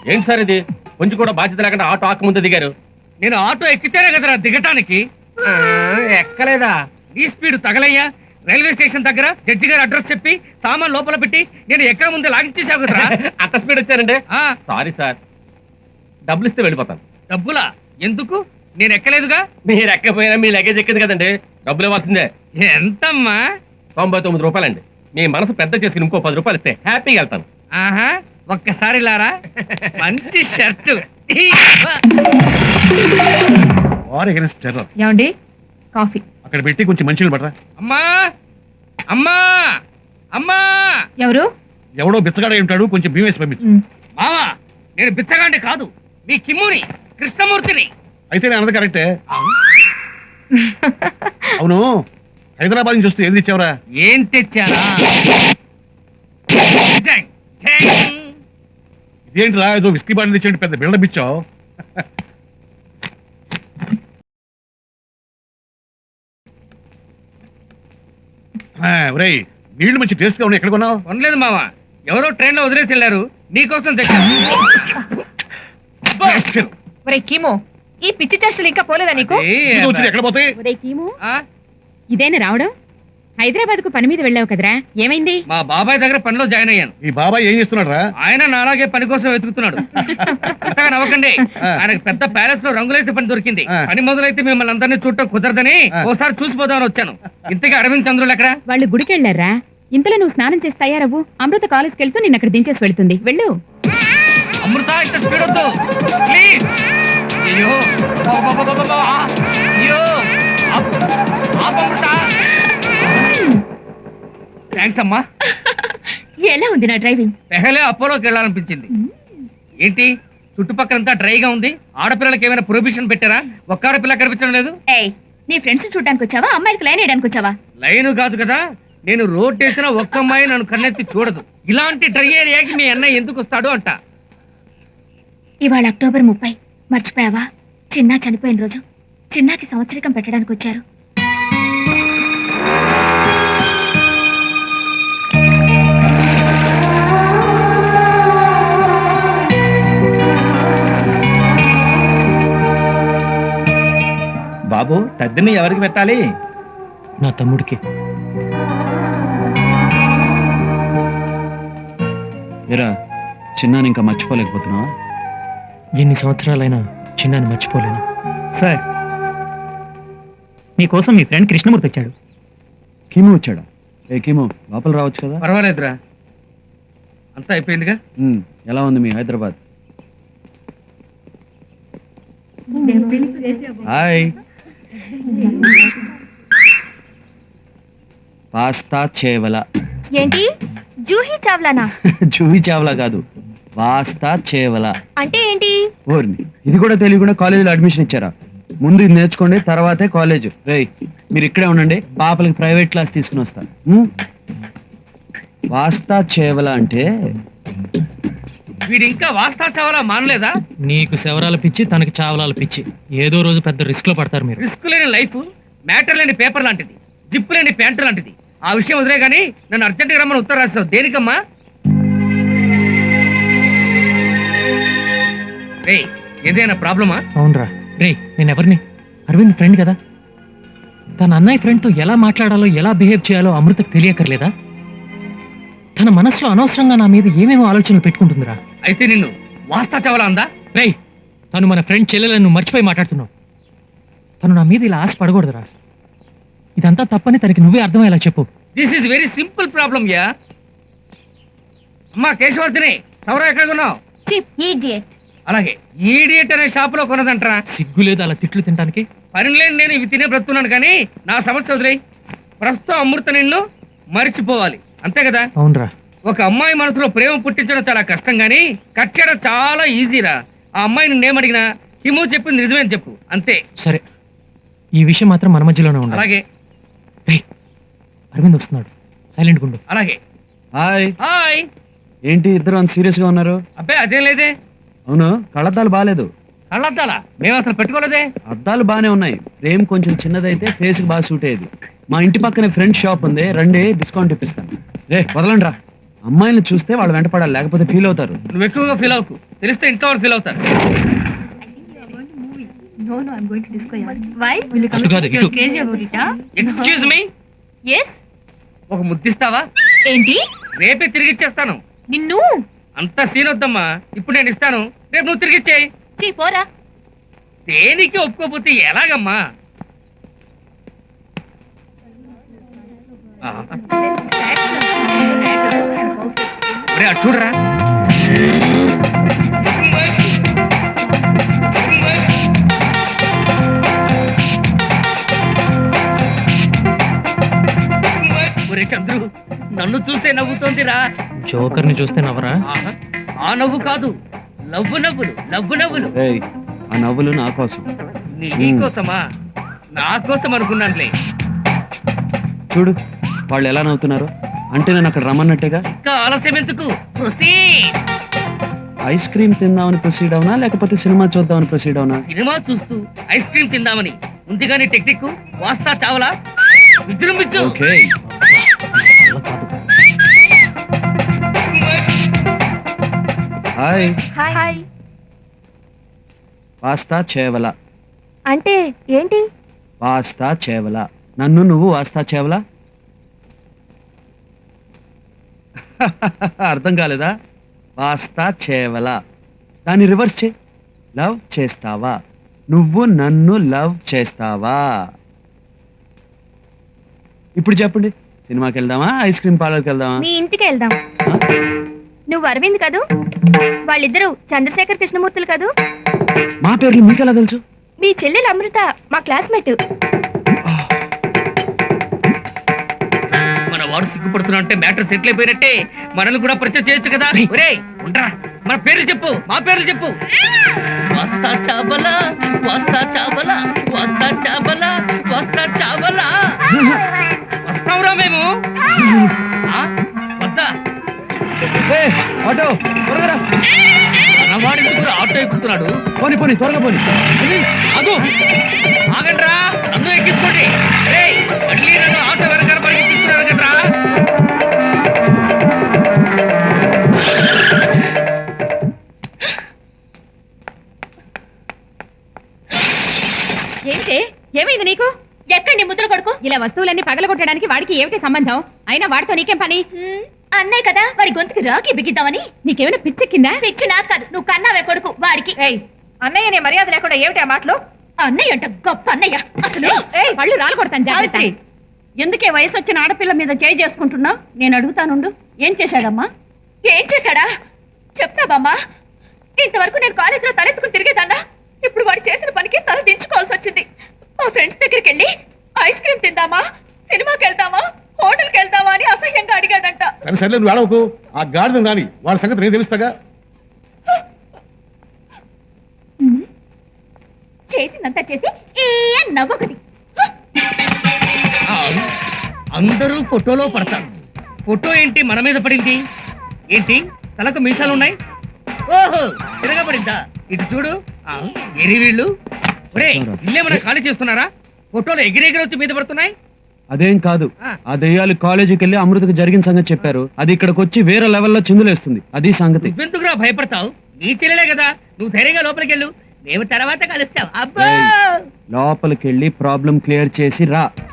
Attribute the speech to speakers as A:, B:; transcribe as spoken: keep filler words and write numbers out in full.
A: ఏంటి సార్ ఇది? కొంచెం కూడా బాధ్యత లేకుండా ఆటో ఆక ముందు దిగారు.
B: నేను ఆటో ఎక్కితేనే కదరా దిగటానికి.
A: ఎక్కలేదా?
B: ఈ స్పీడ్ తగలయ్యా. రైల్వే స్టేషన్ దగ్గర జడ్జి గారు అడ్రస్ చెప్పి సామాన్ లోపల పెట్టి నేను ఎక్కడ ముందే లాగించేసావు కదరా.
A: అంత స్పీడ్ వచ్చారండి.
B: ఆ,
A: సారీ సార్, డబ్బులు ఇస్తే వెళ్ళిపోతాను.
B: డబ్బులా? ఎందుకు? నేను ఎక్కలేదుగా.
A: మీరు ఎక్కపోయినా మీ లగేజ్ ఎక్కింది కదండి, డబ్బులు ఇవ్వాల్సిందే.
B: ఎంతమ్మా?
A: తొంభై తొమ్మిది రూపాయలండి. మీ మనసు పెద్ద చేసుకుని ఇంకో పది రూపాయలు ఇస్తే హ్యాపీగా వెళ్తాను.
B: ఆహా, ఒక్కసారి లారా. మంచి షర్టు.
C: ఏమండి కాఫీ
D: అక్కడ పెట్టి కొంచెం మంచిగా పడరా.
B: అమ్మా అమ్మా అమ్మా.
C: ఎవరు?
D: ఎవడో బిచ్చగాడ ఉంటాడు, కొంచెం భీమేసి పంపించు.
B: మావా, నేను బిచ్చగాండి కాదు, మీ కిమ్ముని కృష్ణమూర్తిని.
D: అయితే నేను అన్నది కరెక్టే. అవును, హైదరాబాద్ నుంచి వస్తే ఏది ఇచ్చావరా?
B: ఏం తెచ్చారా? జంగ్, జంగ్.
D: ఇదేంటిరా, ఏదో విస్కీ బాటిల్ తెచ్చేయండి, పెద్ద బిల్డప్ ఇచ్చావు. ఒరేయ్, నీళ్లు మంచి టేస్ట్ గా ఉన్నాయి, ఎక్కడ కొన్నావు?
B: కొనలేదు మావా, ఎవరో ట్రైన్ లో వదిలేసి వెళ్ళారు, నీకోసం తెచ్చాను.
C: ఒరే కీమో, ఈ పిచ్చి చేష్టలు ఇంకా పోలేదా నీకు?
D: ఇది వచ్చింది, ఎక్కడ పోతాయి?
C: ఒరే కీమో,
B: ఆ,
C: ఇదేనా రావడం? హైదరాబాద్ కు పని మీద వెళ్ళావు కదరా, ఏమైంది?
B: మా బాబాయ్ దగ్గర పనిలో జాయిన్ అయ్యాను.
D: ఈ బాబాయ్ ఏం చేస్తున్నాడు రా?
B: ఆయన నాలాగే పని కోసం వెతుకుతున్నాడు. అంతగా నవ్వకండి, ఆయనకు పెద్ద ప్యాలెస్ లో రంగులేసే పని దొరికింది. పని మొదలైతే మిమ్మల్ని అందరినీ చూడటం కుదరదని ఓసారి చూసిపోదామని వచ్చాను. ఇంతకీ అరవింద్ చంద్రులు ఎక్కడా?
C: వాళ్ళు గుడికి వెళ్ళారా? ఇంతలో నువ్వు స్నానం చేసి తయారవ్వు, అమృత కాలేజ్కి వెళ్తూ నిన్న అక్కడ దించేసి వెళ్తుంది, వెళ్ళు.
B: అమృత, ఇంత స్పీడ్ వద్దు ప్లీజ్. అయ్యో అబ్బబ్బబ్బబ్బబ్బా. అయ్యో ఆపు, ఆపు అమృత. థ్యాంక్స్ అమ్మా.
C: ఎలా ఉంది నా డ్రైవింగ్?
B: పెహలే అపోలోకి వెళ్ళాలనిపించింది. ఏంటి చుట్టుపక్కలంతా డ్రైగా ఉంది? ఆడపిల్లలకి ఏమైనా ప్రొహిబిషన్ పెట్టారా? ఒక్క ఆడపిల్ల కనిపించడం లేదు.
C: ఏయ్, నీ ఫ్రెండ్స్ చూడడానికి వచ్చావా, అమ్మాయికి లైన్ వేయడానికి వచ్చావా?
B: లైన్ కాదు కదా, నేను రోడ్ వేసిన ఒక్క అమ్మాయి నన్ను కన్నెత్తి చూడదు. ఇలాంటి డ్రై ఏరియాకి మీ అన్నయ్య ఎందుకు వస్తాడు అంట.
C: ఇవాళ అక్టోబర్ ముప్పై, మర్చిపోయావా? చిన్నా చనిపోయిన రోజు. చిన్నాకి సంవత్సరికం పెట్టడానికి వచ్చారు.
E: బాబు, తద్దిని ఎవరికి పెట్టాలి?
F: నా తమ్ముడికి.
E: ఎరా, చిన్నాని ఇంకా మర్చిపోలేకపోతున్నావా?
F: ఎన్ని సంవత్సరాలైనా చిన్నాన్ని మర్చిపోలేను.
G: సార్, మీకోసం మీ ఫ్రెండ్ కృష్ణమూర్తి వచ్చాడు.
E: కీము వచ్చాడా? ఏ కీము, లోపల రావచ్చు కదా.
B: పర్వాలేదురా, అంతా అయిపోయిందిగా.
E: ఉమ్, ఎలా ఉంది మీ హైదరాబాద్? హాయ్. పాస్తా చేవల.
C: ఏంటి జూహీ చావ్లానా?
E: జూహి చావలా కాదు, పాస్తా చేవల
C: అంటే ఏంటి?
E: ఓర్ని, ఇది కూడా తెలియకుండా కాలేజీలో అడ్మిషన్ ఇచ్చారా? ముందు ఇది నేర్చుకోండి, తర్వాతే కాలేజ్. రేయ్, మీరు ఇక్కడే ఉండండి, పాపలకి ప్రైవేట్ క్లాస్ తీసుకుని వస్తాను. పాస్తా చేవల అంటే
B: వీడు ఇంకా వాస్తా చావాలా మానలేదా?
F: నీకు శవరాల పిచ్చి, తనకి చావలాల పిచ్చి. ఏదో రోజు పెద్ద రిస్క్ లో పడతారు మీరు.
B: రిస్క్ లేని లైఫ్, మ్యాటర్ లేని పేపర్ లాంటిది, జిప్ లేని ప్యాంటు లాంటిది. ఆ విషయం వదిలే గానీ నన్ను అర్జెంట్గా రమ్మని ఉత్తరం రాస్తావు దేనికమ్మా? రే, ఏదైనా ప్రాబ్లమా?
F: అవునరా రే, నేను ఎవరిని? అరవింద్ ఫ్రెండ్ కదా. తన అన్నయ్య ఫ్రెండ్తో ఎలా మాట్లాడాలో, ఎలా బిహేవ్ చేయాలో అమృతకు తెలియకర్లేదా? తన మనసులో అనవసరంగా నా మీద ఏమేమో ఆలోచనలు పెట్టుకుంటుందిరా.
B: అయితే నిన్ను వాస్తా చావాలా అందా?
F: రేయ్, తను మన ఫ్రెండ్ చెల్లెలను నువ్వు మర్చిపోయి మాట్లాడుతున్నావు. తను నా మీద ఇలా ఆశ పడకూడదురా. ఇదంతా తప్పని తనకి నువ్వే అర్థమయ్యేలా చెప్పు.
B: This is very simple problem yeah. అమ్మా కేశవర్ధిని, సౌరా ఎక్కడ కొన్నావు? అలాగే ఈడియట్ అనే షాప్ లో కొన్నదంటరా.
F: సిగ్గు లేదు అలా తిట్లు తినడానికి?
B: పని లేని నేను ఇవి తినే బ్రతున్నాను కానీ నా సమస్య వదిలేయి. ప్రస్తుతం అమృత నిన్ను మరిచిపోవాలి, అంతే కదా?
F: అవునరా.
B: ఒక అమ్మాయి మనసులో ప్రేమ పుట్టించడం చాలా కష్టం గానీ కట్ చేయడం చాలా ఈజీరా. ఆ అమ్మాయి నిన్నేమడిగినా హిమూ చెప్పింది నిజమేని చెప్పు, అంతే.
F: సరే, ఈ విషయం మాత్రం మన మధ్యలోనే ఉండాలి.
B: అలాగే.
F: రేయ్, అరవింద్ వస్తున్నాడు, సైలెంట్ గుండు.
B: అలాగే.
E: హాయ్.
B: హాయ్.
E: ఏంటి ఇద్దరు అంత సీరియస్ గా ఉన్నారు?
B: అబ్బే అదేం లేదే.
E: అవును, కళ్ళద్దాలు బాగాలేదు.
B: కళ్ళద్దాలా? మేము అసలు పెట్టుకోలేదే.
E: అద్దాలు బానే ఉన్నాయి, ఫ్రేమ్ కొంచెం చిన్నదైతే ఫేస్ కి బాగా సూట్ అయ్యేది. మా ఇంటి పక్కనే ఫ్రెండ్ షాప్ ఉంది, రండి డిస్కౌంట్ ఇప్పిస్తాను. రే వదలండి రా, అమ్మాయిని చూస్తే వాళ్ళు వెంటపడాలి, లేకపోతే ఫీల్ అవుతారు.
B: నువ్వు ఎక్కువగా ఫీల్ అవ్వకు, తెలిస్తే ఇంట్లో వాళ్ళు ఫీల్ అవుతారు.
C: No, no, I'm going to disco.
H: Why? Will you come
F: అటు కాదు,
H: you're
F: ఇటు.
H: crazy about it, huh?
B: Excuse me,
H: Yes?
B: ఒక ముద్దిస్తావా?
H: ఏంటి?
B: రేపే తిరిగి ఇచ్చేస్తాను.
H: నిన్ను
B: అంత సీన్ వద్దమ్మా, ఇప్పుడు నేను ఇస్తాను, రేపు నువ్వు తిరిగి ఇచ్చేయి.
H: చీ పోరా.
B: దేనికి ఒప్పుకోపోతే ఎలాగమ్మా? ఆ. ఒరే, అటు చూడరా. ఒరే చంద్రు, నన్ను చూసే నవ్వుతోందిరా.
F: జోకర్ని చూస్తే నవ్వరా?
B: ఆహా, ఆ నవ్వు కాదు, లవ్వు నవ్వులు, లవ్వు నవ్వులు.
E: ఏయ్, ఆ నవ్వులు నా కోసం.
B: నీ కోసమా? నా కోసం అనుకున్నానులే.
E: చూడు వాళ్ళు ఎలా నవ్వుతున్నారు, అంటే నేను అక్కడ రమ్మన్నట్టుగా.
B: ఇంకా ఆలస్యం ఎందుకు? Proceed.
E: ఐస్ క్రీమ్ తిందామని ప్రొసీడ్ అవునా, లేకపోతే సినిమా చూద్దామని ప్రొసీడ్ అవునా?
B: సినిమా చూస్తూ ఐస్ క్రీమ్ తిందామని ఉంది కానీ టెక్నిక్ వాస్తా చావలా విజృంభించు.
E: ఓకే. హాయ్.
C: హాయ్.
E: వాస్తా చేవల.
C: అంటే ఏంటి?
E: వాస్తా చేవల. నన్ను నువ్వు వాస్తా చేవలా? అర్థం కాలేదా? వాస్తా చేవల, దాన్ని రివర్స్ చే. లవ్ చేస్తావా? నువ్వు నన్ను లవ్ చేస్తావా? ఇప్పుడు చెప్పండి, సినిమాకి వెళ్దామా, ఐస్ క్రీమ్ పార్లర్కి వెళ్దామా?
C: మీ ఇంటికి వెళ్దాం.
E: ఆ?
C: నువ్వు అరవింద్ కదూ? వాళ్ళిద్దరూ చంద్రశేఖర్ కృష్ణమూర్తులు కదూ?
E: మా పేర్లు మీకెలా తెలుసు?
C: మీ చెల్లెలు అమృత మా క్లాస్మేట్.
B: మన వాడు సిగ్గుపడుతున్నా అంటే మ్యాటర్ సెటిల్ అయిపోయినట్టే. మనల్ని కూడా పరిచయం చేయొచ్చు కదా. ఒరేయ్ ఉండరా, మన పేర్లు చెప్పు, మా పేర్లు చెప్పు. వస్తా చాబలా, వస్తా చాబలా, వస్తా చాబలా, వస్తా చాబలా. వస్తావురా మేము? ఆ? వద్దా?
E: ఏయ్, ఆటో త్వరగా రా.
B: మన వాడు ఎందుకు ఆటో ఎక్కుతున్నాడు?
E: పోనీ పోనీ త్వరగా పోనీ.
B: అదు ఆగండ్రా, నన్ను ఎక్కించుకోండి. రేయ్, మళ్ళీ నన్ను ఆటో వెనకాల పరిగెత్తిస్తున్నారు కదరా.
H: ఏంటి? ఏమైంది నీకు? ఎక్కడ నీ ముద్ర కొడుకు? ఇలా వస్తువులన్నీ పగలగొట్టడానికి వాడికి ఏమిటి సంబంధం? అయినా వాడితో నీకేం పని?
C: అన్నయ్య కదా, వాడి గొంతుకి రాకి బిగిద్దామని.
H: నీకేమైనా పిచ్చెక్కిందా?
C: పిచ్చి నాకు కాదు, నువ్వు కన్నావే కొడుకు వాడికి.
H: అన్నయ్య నీ మర్యాద లేకుండా ఏమిటి ఆ మాటలు?
C: అన్నయ్య అంట గొప్ప అన్నయ్య. అసలు
H: పళ్ళు రాలు కొడతాను జాగ్రత్త.
C: ఎందుకే వయసు వచ్చిన ఆడపిల్ల మీద చేయి చేసుకుంటున్నావు? నేను అడుగుతానుండు. ఏం చేశాడమ్మా? ఏం చేశాడా చెప్తావమ్మా? ఇంతవరకు నేను కాలేజీలో తలెత్తుకుని తిరిగేదాన్నా. ఇప్పుడు వాడు చేసిన పనికి తల దించుకోవాల్సి వచ్చింది. మా ఫ్రెండ్స్ దగ్గరికి వెళ్ళి ఐస్ క్రీమ్ తిందామా, సినిమాకి వెళ్దామా, హోటల్కి వెళ్దామా అని అసహ్యంగా అడిగాడంట.
D: సరే సరే నువ్వు ఏడవకు, ఆ గాడిద రాని వాడి సంగతి నేను తెలుస్తాగా.
C: చేసిందంతా చేసి ఏ నవ్వొకటి.
B: ఆ, అందరూ ఫోటోలో పడతారు. ఫోటో ఏంటి మన మీద పడింది? ఏంటి తలకు మీసాలు ఉన్నాయి? ఓహో, తిరగబడిందా? ఇటు చూడు. ఆ, ఎరి వీళ్ళు. ఒరే, ఇల్లేమన్నా ఖాళీ చేస్తున్నారా? ఫోటోలు ఎగిరెగిరి వచ్చి మీద పడుతున్నాయి.
E: అదేం కాదు, ఆ దెయ్యాలు కాలేజీకి వెళ్ళి అమృతకు జరిగిన సంగతి చెప్పారు. అది ఇక్కడికి వచ్చి వేరే లెవెల్లో చిందులేస్తుంది. అది సంగతి.
B: నువ్వెందుకురా భయపడతావు? నీ చెల్లెలే కదా, నువ్వు ధైర్యంగా లోపలికి వెళ్ళు, మేము తర్వాత కలుస్తాం. అబ్బా,
E: లోపలికి వెళ్ళి ప్రాబ్లం క్లియర్ చేసి రా.